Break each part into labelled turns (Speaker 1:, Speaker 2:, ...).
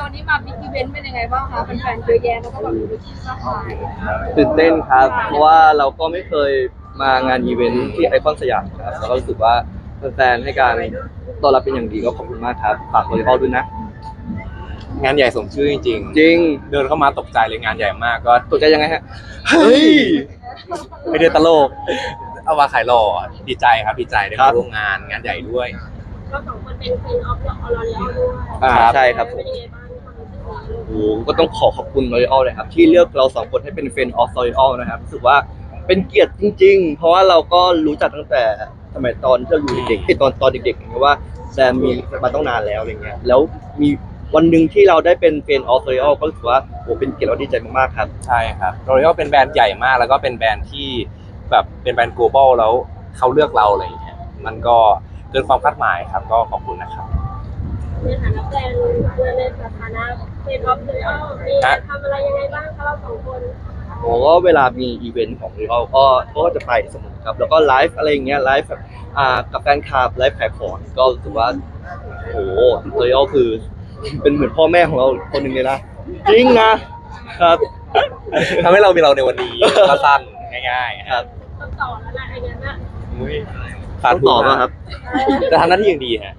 Speaker 1: วันนี้มาบิ๊กอีเวนต์เป็นยังไงบ้างคะแฟนๆเยอะแยะแล้วก็แบบมีที่มากมาย
Speaker 2: ตื่นเต้นครับเพราะว่าเราก็ไม่เคยมางานอีเวนท์ที่ไอคอนสยามครับแล้วก็รู้สึกว่าแฟนๆให้การต้อนรับเป็นอย่างดีก็ขอบคุณมากครับฝากโดยพ่อด้วยนะ
Speaker 3: งานใหญ่สมชื่อจริง
Speaker 2: จริง
Speaker 3: เดินเข้ามาตกใจเลยงานใหญ่มากก็
Speaker 2: ตกใจยังไงฮะเฮ้ย
Speaker 3: ไม่ได้ตลกเอาว่าขายหล่อดีใจครับดีใจได้มาร่วมงานใหญ่ด้วย
Speaker 1: เราสองคนเป็นออฟออร์เรลด้วย
Speaker 2: ใช่ครับผมโอ้ก็ต้องขอบคุณลอรีออลเลยครับที่เลือกเราสองคนให้เป็นเฟรนด์ออฟลอรีออลนะครับรู้สึกว่าเป็นเกียรติจริงๆเพราะว่าเราก็รู้จักตั้งแต่สมัยตอนที่เราอยู่เด็กๆตอนเด็กๆอย่างเงี้ยว่าแซมมีมาต้องนานแล้วอะไรเงี้ยแล้วมีวันหนึ่งที่เราได้เป็นเฟรนด์ออฟลอรีออลก็รู้สึกว่าโอ้เป็นเกียรติและดีใจมากๆครับ
Speaker 3: ใช่ครับลอรีออลเป็นแบรนด์ใหญ่มากแล้วก็เป็นแบรนด์ที่แบบเป็นแบรนด์ global แล้วเขาเลือกเราอะไรอย่างเงี้ยมันก็เกินความคาดหมายครับก็ขอบคุณนะครับ
Speaker 1: ในฐานะแฟนในฐานะเป็นออฟลอรีออลมีทำอะไรยังไงบ้างคะเราสองคน
Speaker 2: ผมก็เวลามีอีเวนต์ของลอรีออลก็จะไปเสมอครับแล้วก็ไลฟ์อะไรอย่างเงี้ยไลฟ์แบบกับแฟนคลับไลฟ์ขายของก็รู้สึกว่าโอ้โหลอรีออลคือเป็นเหมือนพ่อแม่ของเราคนหนึ่งเลยนะจริงนะครับ
Speaker 3: ทำให้เรามีเราในวันนี้ก็สั้นง่ายๆ
Speaker 2: ครับ
Speaker 1: ต้องต่อแล้วนะไอ้เงี้ยนะ
Speaker 3: ขาด
Speaker 2: ต่อป่ะครับ
Speaker 3: จะทำหน้าที่อย่างดีฮะ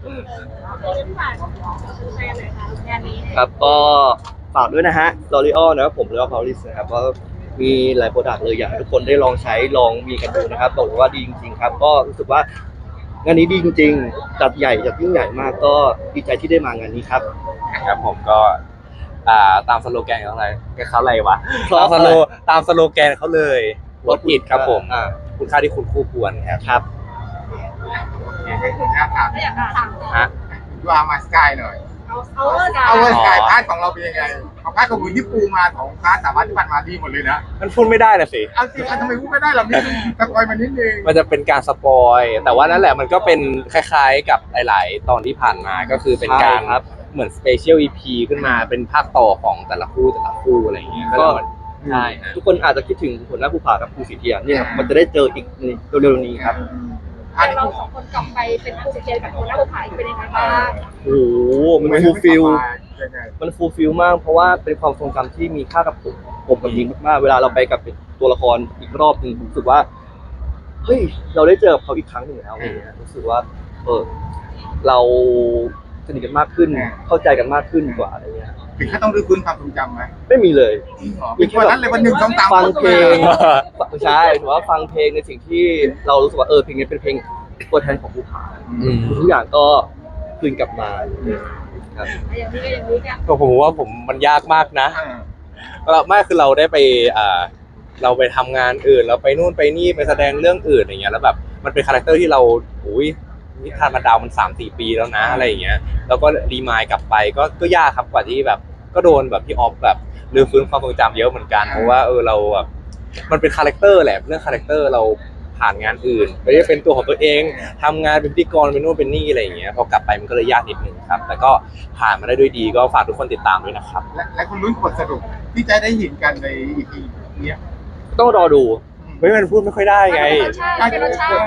Speaker 2: ครับก็ฝากด้วยนะฮะลอรีออลนะครับผมแล้วก็พาวลิสนะครับก็มีหลายโปรดักต์เลยอยากให้ทุกคนได้ลองใช้ลองมีกันดูนะครับบอกเลยว่าดีจริงๆครับก็รู้สึกว่างานนี้ดีจริงๆจัดใหญ่จัดยิ่งใหญ่มากก็ดีใจที่ได้มางานนี้ครับ
Speaker 3: ครับผมก็ตามสโลแกนเขาอะไรวะตามสโลแกนเขาเลยรถอิดครับผมคุณค่าที่คุณคู่ควร
Speaker 2: ครับ
Speaker 4: ให้คุณถาม
Speaker 3: ฮะ
Speaker 4: ดูอามาสกายหน่อยเอาเวอร์สกายพาร์ทของเราเป็นยังไงของพาร์ทของคุณที่ปูมาของพาร์ทสามารถที่ผ่านมาดีหมดเลยนะ
Speaker 3: มันพูดไม่ได้นะสิ
Speaker 4: เอาสิทำไมพูดไม่ได้เราไม่สปอยมานิดนึง
Speaker 3: มันจะเป็นการสปอยแต่ว่านั่นแหละมันก็เป็นคล้ายๆกับหลายๆตอนที่ผ่านมาก็คือเป็นการเหมือนสเปเชียลอีพีขึ้นมาเป็นภาคต่อของแต่ละคู่อะไรอย่างเงี้ยก็ใช่
Speaker 2: ทุกคนอาจจะคิดถึงผลหน้าภูผากับภูสีเทียเนี่ยมันจะได้เจออีกเร็วๆนี้ครับ
Speaker 1: เราสองคนกลับไปเป็นภูสีเทียกับผลหน้าภูผาเป็นยังไงบ้าง
Speaker 2: โอ้โหมันฟูลฟิลมากเพราะว่าเป็นความทรงจำที่มีค่ากับผมกับยิงมากๆเวลาเราไปกับตัวละครอีกรอบนึงรู้สึกว่าเฮ้ยเราได้เจอเขาอีกครั้งหนึ่งแล้วรู้สึกว่าเราสนิทกันมากขึ้นเข้าใจกันมากขึ้นกว่าอะไรเงี้ย
Speaker 4: ถึงขั้นต้องรื้อฟื้นความทรงจำไหม
Speaker 2: ไม่มีเลย
Speaker 4: มีแค่นั้นเลยวันหนึ่งต้องตาม
Speaker 2: ฟังเพลงใช่ถือว่าฟังเพลงในสิ่งที่เรารู้สึกว่าเพลงนี้เป็นเพลงตัวแทนของภูผาทุกอย่างก็คืนกลับมาครับ
Speaker 3: ก็ผมว่ามันยากมากนะไม่คือเราได้ไปเราไปทำงานอื่นเราไปนู่นไปนี่ไปแสดงเรื่องอื่นอย่างเงี้ยแล้วแบบมันเป็นคาแรคเตอร์ที่เรานิทานมันดาวมัน 3-4 ปีแล้วนะอะไรอย่างเงี้ยแล้วก็รีมายกลับไปก็ยากครับกว่าที่แบบก็โดนแบบพี่ออฟแบบลืมฟื้นความทรงจำเยอะเหมือนกันเพราะว่าเราแบบมันเป็นคาแรคเตอร์แหละเรื่องคาแรคเตอร์เราผ่านงานอื่นไม่ได้เป็นตัวของตัวเองทำงานเป็นพิธีกรเป็นนู่นเป็นนี่อะไรอย่างเงี้ยพอกลับไปมันก็เลยยากนิดนึงครับแต่ก็ผ่านมาได้ด้วยดีก็ฝากทุกคนติดตามด้วยนะครับ
Speaker 4: และคุณลุ้นบทสรุปที่จะได้เห็นกันใน EP นี้
Speaker 2: ต้องรอดู
Speaker 3: มันพูดไม่ค่อยได้ไง
Speaker 1: เป็นรสชาติ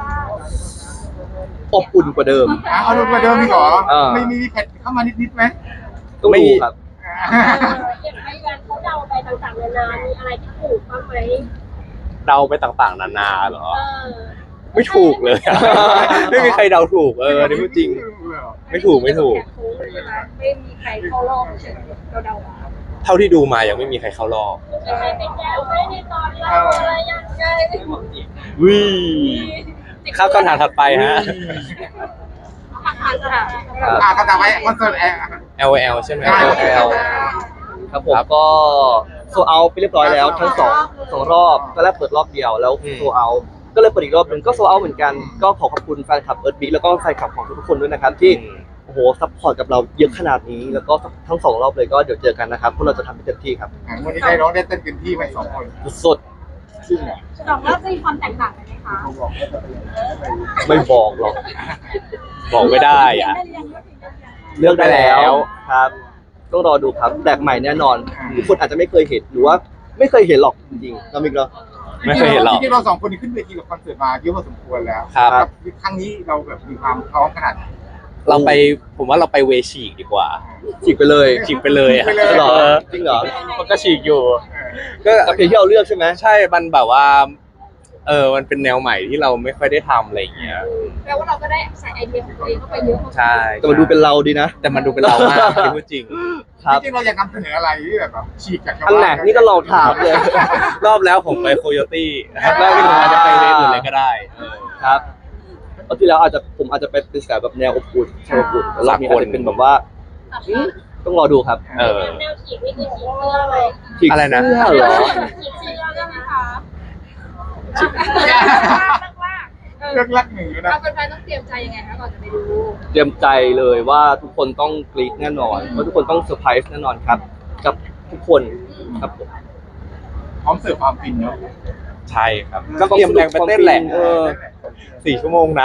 Speaker 2: อบอุ่นกว่าเดิม
Speaker 4: เอาลงกว่าเดิมอีกเหรอไม่มีแพทเข้ามานิดไหม
Speaker 2: ต้องดูครับ
Speaker 1: อย่างไรกันเขาเดาไปต่างๆนานามีอะไรที่ถูกบ้างไหม
Speaker 3: เดาไปต่างๆนานาเหรอไม่ถูกเลยไม่มีใครเดาถูกนี่พูดจริงไม่ถูก
Speaker 1: ไม่มีใครเข้ารอบเฉยเราเดา
Speaker 3: เท่าที่ดูมายังไม่มีใครเข้ารอบ
Speaker 1: ใครเป็นแก้วไม่ในตอนเราอะไรยังไง
Speaker 3: ข้าวคำถามถัดไปฮะ
Speaker 4: ก็จะไว้คอนเสิร์ต
Speaker 3: LL ใช่ไหม
Speaker 2: LL ครับผมก็โซเอาไปเรียบร้อยแล้วทั้งสองรอบก็แรกเปิดรอบเดียวแล้วโซเอาก็เลยเปิดอีกรอบหนึ่งก็โซเอาเหมือนกันก็ขอบคุณแฟนคลับเอิร์ธบิ๊กแล้วก็แฟนคลับของทุกคนด้วยนะครับที่โอ้โหซัพพอร์ตกับเราเยอะขนาดนี้แล้วก็ทั้ง2 รอบเลยก็เดี๋ยวเจอกันนะครับพวกเราจะทำให้เต็มที่ครับ
Speaker 4: วันนี้ได้ร้องได้เต้นเต็มที่ไป2 คน
Speaker 2: สุด
Speaker 1: 2 รอบจะมีความแตกต่างกันไหมคะ
Speaker 2: ไม่บอกหรอก
Speaker 3: บอกไม่ได้
Speaker 2: เลือกได้แล้วครับต้องรอดูครับแปลกใหม่แน่นอนทุกคนอาจจะไม่เคยเห็นหรือว่าไม่เคยเห็นหรอกจริงๆเราไม่
Speaker 3: เคยเห็นหรอก
Speaker 4: ที่เรา2 คนนี้ขึ้นเวทีกับคอนเสิร์ตมาเยอะพอสมควรแล้ว
Speaker 3: ครับ
Speaker 4: ครั้งนี้เราแบบมีความพร้อมขนาด
Speaker 3: เราไปผมว่าเราไปเวฉีกดีกว่า
Speaker 2: ฉีกไปเลย
Speaker 3: ฉีกไปเลยอะ
Speaker 2: เหรอจริงเหรอ
Speaker 3: มันก็ฉีกอยู่ ก็
Speaker 2: กับเพลงที่เราเลือกใช่ไหม
Speaker 3: ใช่มันแบบว่ามันเป็นแนวใหม่ที่เราไม่ค่อยได้ทำอะไรอย่างเงี้ย
Speaker 1: แปลว่าเราก็ได้ใส่ไอเดียของตัวเองเข้าไปเยอะ
Speaker 3: ใช่
Speaker 2: แต่มันดูเป็นเราดีนะ
Speaker 3: แต่มันดูเป็นเรามากที่พูดจริง
Speaker 2: ครับ
Speaker 4: จริงๆเราอยากนำเสนออะไรที่แบบฉีกจากชาว
Speaker 2: อันไหน
Speaker 4: บ้าน
Speaker 2: นี่ก็ลองถามเลย
Speaker 3: รอบแล้วผมไปโคโยตี้รอบนี้ผมอาจจะไปเวฟอื่นเลยก็ได้
Speaker 2: ครับตอนที่แล้วผมอาจจะไปเป็นสายแบบแนวอบอุ่นใช่อบอุ่นแต่รอบนี้อาจจะเป็นแบบว่าต้องรอดูครับ
Speaker 1: แนวฉีกนี่คือฉีกเสื้อเลย
Speaker 2: ฉีก
Speaker 3: อะไรนะ
Speaker 2: เสื้อเหรอ
Speaker 1: ฉีกเสื้อได้ไหมคะ
Speaker 4: เลือกลักหนึ่งนะ
Speaker 1: เราเป็นแฟนต้องเตรียมใจยังไงคะก่อนจะไปดู
Speaker 2: เตรียมใจเลยว่าทุกคนต้องกรี๊ดแน่นอนว่าทุกคนต้องเซอร์ไพรส์แน่นอนครับ กับทุกคนครับผม
Speaker 4: พร้อมเสิร์ฟความฟินเนาะ
Speaker 3: ใช่ครับก็เตรียมแรงไปเต้นแหละ 4 ชั่วโมงนะ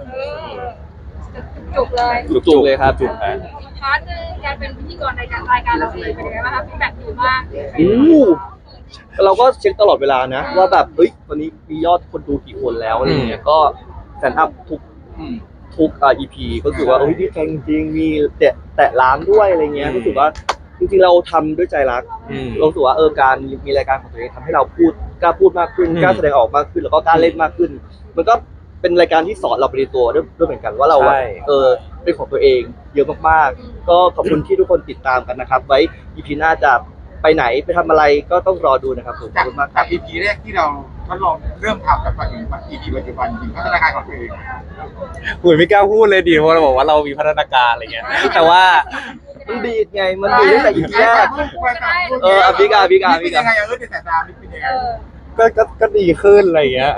Speaker 1: จุกเลย
Speaker 2: จุกๆเลยครับจุก
Speaker 1: พาร์ทนึงการเป็นพิธีกรรายการเราเองเป็นยังไงบ้างคะฟีดแบ็กดีมาก
Speaker 2: เราก็เช็คตลอดเวลานะ ว่าแบบเฮ้ยวันนี้มียอดคนดูกี่คนแล้วอะไรเงี้ยก็แซนอัพทุกEP ก็รู้สึกว่าเฮ้ยดีใจจริงๆมีแตะล้านด้วยอะไรเงี้ยรู้สึกว่าจริงๆเราทำด้วยใจรัก เรารู้สึกว่าการมีรายการของตัวเองทำให้เรากล้าพูดมากขึ้นกล้าแสดงออกมากขึ้นแล้วก็กล้าเล่นมากขึ้น มันก็เป็นรายการที่สอนเราไปในตัวด้วยเหมือนกันว่าเราเป็นของตัวเองเยอะมากๆก็ขอบคุณที่ทุกคนติดตามกันนะครับไว้ EP หน้าจะไปไหนไปทำอะไรก็ต้องรอดูนะครับผมขอบคุณมากค
Speaker 4: จา
Speaker 2: รั
Speaker 4: ก
Speaker 2: บ
Speaker 4: EP แรกที่เราทดลองเริ่มทำกับปัจจุบัน EP ปัจจุบันจริงพัฒนาการของตัวเอง
Speaker 3: หุยไม่กล้าพูดเลยดิเพราะเราบอกว่าเรามีพัฒนาการอะไรเงี้ยแต่ว่า
Speaker 2: มันดีดไงมันดีตั้งแต่ EP แรก พี่กา
Speaker 4: เป็นยังไงในสายตาเป็นยังไง
Speaker 3: ก็ดีขึ้นอะไรเงี้ย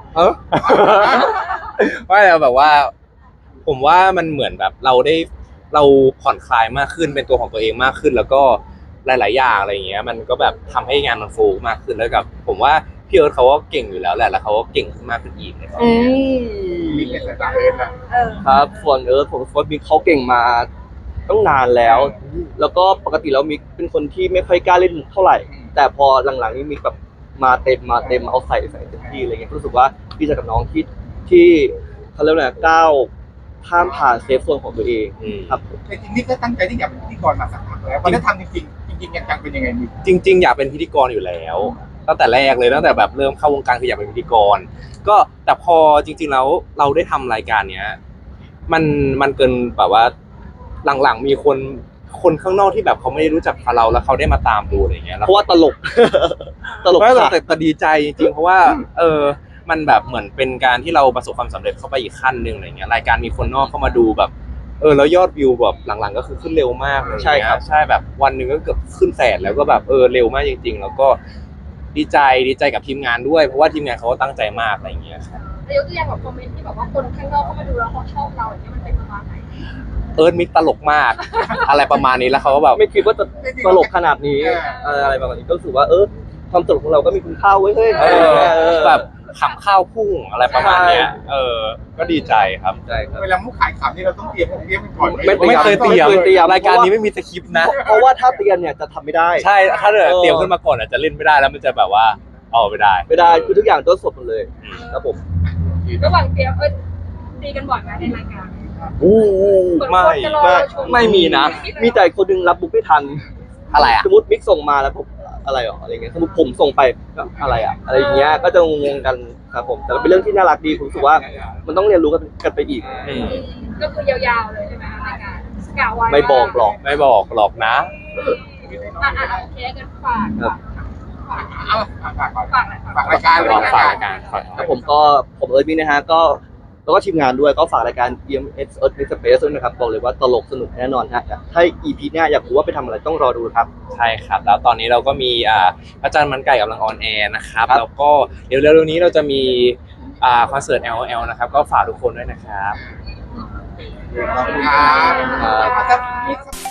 Speaker 3: ไม่แต่แบบว่า ผมว่ามันเหมือนแบบเราผ่อนคลายมากขึ้นเป็นตัวของตัวเองมากขึ้น แล้วก็หลาย ๆ อย่างอะไรเงี้ยมันก็แบบทำให้งานมันโฟล์มากขึ้นแล้วกับ ผมว่าพี่เอิร์ธเขาก็เก่งอยู่แล้วแหละแล้วเขาก็เก่งขึ้นมากขึ้นอีกเลย
Speaker 4: มีในสายตาเอิร์ธนะครับ
Speaker 2: ส่วนผมว่ามิกเขาเก่งมาต้องนานแล้ว แล้วก็ปกติแล้วมิกเป็นคนที่ไม่ค่อยกล้าเล่นมุกเท่าไหร่ แต่พอหลังๆนี้มิกแบบมาเต็มเอาใส่เต็มที่อะไรเงี้ยรู้สึกว่าดีใจกับน้องที่เขาเรียกว่าอะไรก้าวข้ามผ่านเซฟโซนของตัวเองครับ
Speaker 4: แต่จริงนี่ก็ตั้งใจที่อยากเป็นพิธีกรมาสักพักแล้วพอได้ทำจริงจังเป็นยังไงมี
Speaker 3: จริง ๆ อยากเป็นพิธีกรอยู่แล้วตั้งแต่แรกเลยตั้งแต่แบบเริ่มเข้าวงการคืออยากเป็นพิธีกรก็แต่พอจริง ๆ แล้วเราได้ทำรายการเนี้ยมันเกินแบบว่าหลังๆมีคนข้างนอกที่แบบเขาไม่ได้รู้จักเราแล้วเขาได้มาตามดูอะไรเงี้ย
Speaker 2: เพราะว่าตลก
Speaker 3: ไม่หรอก
Speaker 2: ค่ะ
Speaker 3: แต่ดีใจจริงๆเพราะว่ามันแบบเหมือนเป็นการที่เราประสบความสำเร็จเข้าไปอีกขั้นหนึ่งอะไรเงี้ยรายการมีคนนอกเข้ามาดูแบบแล้วยอดวิวแบบหลังๆก็คือขึ้นเร็วมากเลย
Speaker 2: ใช่ครับ
Speaker 3: ใช่แบบวันหนึ่งก็เกือบขึ้นแสนแล้วก็แบบเร็วมากจริงๆแล้วก็ดีใจกับทีมงานด้วยเพราะว่าทีมงานเขาก็ตั้งใจมากอะไรเงี้ยครับ
Speaker 1: แต่ยกตัวอย่างแบบคอมเมนต์ที่แบบว่าคนข้างนอกเข้ามาดูแล้วเขาชอบเราอย่างเงี้ยมันเป็นประมาณไหน
Speaker 3: มิกตลกมาก อะไรประมาณนี้แล้วเขาก็แบบ
Speaker 2: ไม่คิดว่าจะตลกขนาดนี้อะไรประมาณนี้ก็รู้สึกว่าความตลกของเราก็มีคุณค่าเว้ยเฮ้ย
Speaker 3: แบบขำข้าวพุ่งอะไรประมาณเนี้ยก็ดีใจครับ
Speaker 2: ใช่ครับ
Speaker 4: เวลามุกขายขำนี่เราต้องเตรียมกันก่อน
Speaker 3: ไม่เคยเตรียมรายการนี้ไม่มีสคริปต์นะ
Speaker 2: เพราะว่าถ้าเตรียมเนี่ยจะทำไม่ได้
Speaker 3: ใช่ถ้าเตรียมขึ้นมาก่อนอาจจะเล่นไม่ได้แล้วมันจะแบบว่าไม่ได้
Speaker 2: ไม่ได้คือทุกอย่างต้นสดหมดเลยครับผม
Speaker 1: ระหว่างเตรียมตีกันบ่อยไหมในรายการ
Speaker 2: ไม่มีนะ มีแต่คนนึงรับบุ๊กไม่ทัน
Speaker 3: อะไรอ่ะ
Speaker 2: สมมติมิกส่งมาแล้วผมอะไรหรออะไรเงี้ยสมมติผมส่งไปก็อะไรอ่ะอะไรอย่างเงี้ยก็จะงงกันครับผมแต่เป็นเรื่องที่น่ารักดีผมรู้สึกว่ามันต้องเรียนรู้กันไปอีก
Speaker 1: ก็คือยาวๆเลยใช่ไหมรายการกะไว้
Speaker 2: ไม่บอกหรอก
Speaker 3: ไม่บอกหรอกนะ
Speaker 1: โอเคกันฝาก
Speaker 4: ฝากรายการเลย
Speaker 3: ฝากรายการ
Speaker 2: แล้วผมเอิร์ธมิกนะฮะก็แล้วก็ทีมงานด้วยก็ฝากรายการ EMS Earth Mix Space ด้วยนะครับบอกเลยว่าตลกสนุกแน่นอนฮะถ้า EP หน้าอยากรู้ว่าไปทำอะไรต้องรอดูครับ
Speaker 3: ใช่ครับแล้วตอนนี้เราก็มีพระจันทร์มันไก่กำลังออนแอร์นะครับแล้วก็เดี๋ยวเร็วๆนี้เราจะมีคอนเสิร์ต LOL นะครับก็ฝากทุกคนด้วยนะครับ
Speaker 4: ครับ